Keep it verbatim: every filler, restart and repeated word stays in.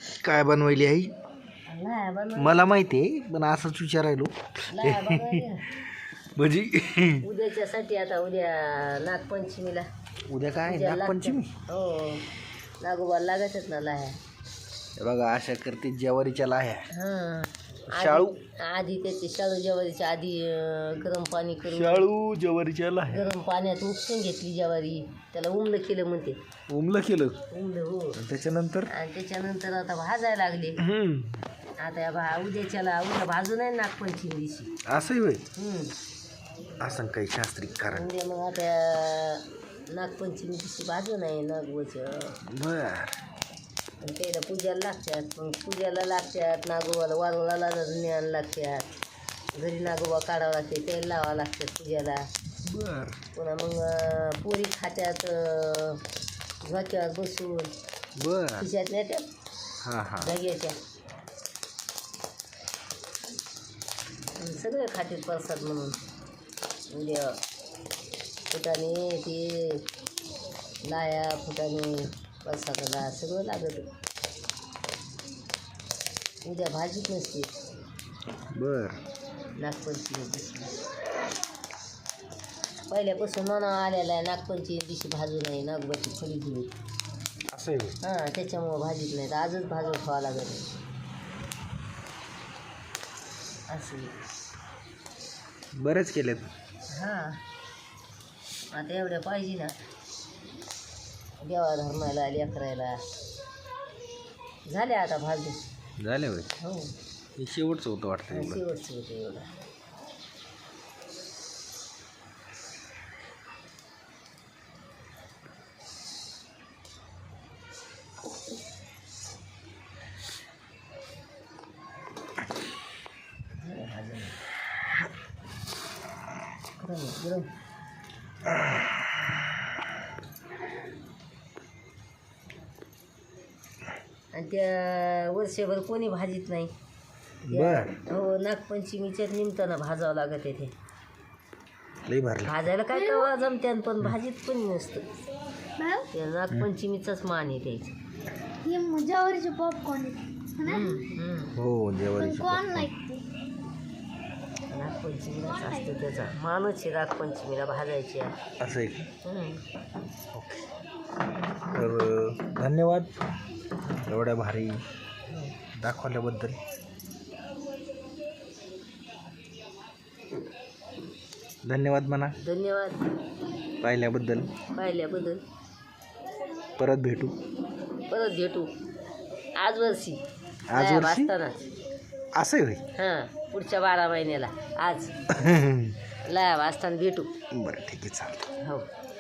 काय बनवली आई? लाया बनव मला माहिती आहे पण असंच विचारायलो. लाया बनवायली. भजी उद्याच्यासाठी आता उद्या नागपंचमीला उद्या काय पूजा नागपंचमी? लागते. हो नागोबाला लागतच ना लाह्या. हे बघा अशा करते ज्वारीच्या लाह्या. हां शाळू आधी त्याची शाळू ज्वारीच्या आधी अं, गरम पाणी करून शाळू ज्वारीच्या लाह्या गरम पाण्यात उपसून घेतली ज्वारी, त्याला उमलं केलं म्हणते. उमलं केलं उमलं हो. आणि त्याच्यानंतर आणि त्याच्यानंतर आता भाजायला लागले. हम्म आता या भा उद्याच्याला उद्या भाजून आहे नागपंचमी दिवशी. असंही होय. हम्म. असं काही शास्त्रिक कारण. उद्या मग आता नागपंचमी दिवशी भाजून आहे नागोबाचं. बर आणि त्याला पूजाला लागतात. मग पूजाला लागतात नागोबाला वारुळाला ज्ञान लागतात. घरी नागोबा काढावं लागते, तेल लावावं लागतात पूजाला. बर पुन्हा मग अं, पोरी खात्यात अं, झोक्यावर बसून बर खिशात नेत्यात हा हा जाग्याच्या. आणि सगळे खात्यात प्रसाद म्हणून. उद्या फुटाणे ते लाया फुटाणे प्रसादाला सगळं लागत. उद्या भाजीच नसते बर नागपंचमी दिवशी. पहिल्यापासून म्हणा आलेला आहे नागपंचमी दिवशी भाजू नाही नागोबाची फळी घेऊन. असं आहे होय. हां त्याच्यामुळं भाजीत नाही तर आजच भाजून खावं लागत. असं बरेच केलेत. हां आता एवढ्या पाहिजे ना देवा धर्माला लेकरायला. झाले आता भाजून. झाले होय. हो हे शेवटचं होतं वाटतं एवढं. शेवटचं होतं एवढं. गरम गरम आणि त्या वर्षभर कोणी भाजीत नाही. बर हो नागपंचमीच्याच निमित्तानं भाजावं लागत आहे. ते लई भरलं. भाजायला काय कवा जमत्यान पण भाजीत कोणी नसतं. त्या नागपंचमीचाच मान आहे त्याची. ज्वारीचे पॉपकॉर्न हो जेवारीची नागपंचमीलाच असतं त्याचा मानच आहे. नागपंचमीला भाजायची आहे. असं आहे का? हम्म. तर धन्यवाद एवढ्या भारी दाखवल्याबद्दल. धन्यवाद म्हणा धन्यवाद पाहिल्याबद्दल. पाहिल्याबद्दल. परत भेटू. परत भेटू आज वर्षी आज वर्षी? वाजतानाच. असं होय. हां पुढच्या बारा महिन्याला आज लाया वाजताना भेटू. बरं ठीक आहे चालतं. हो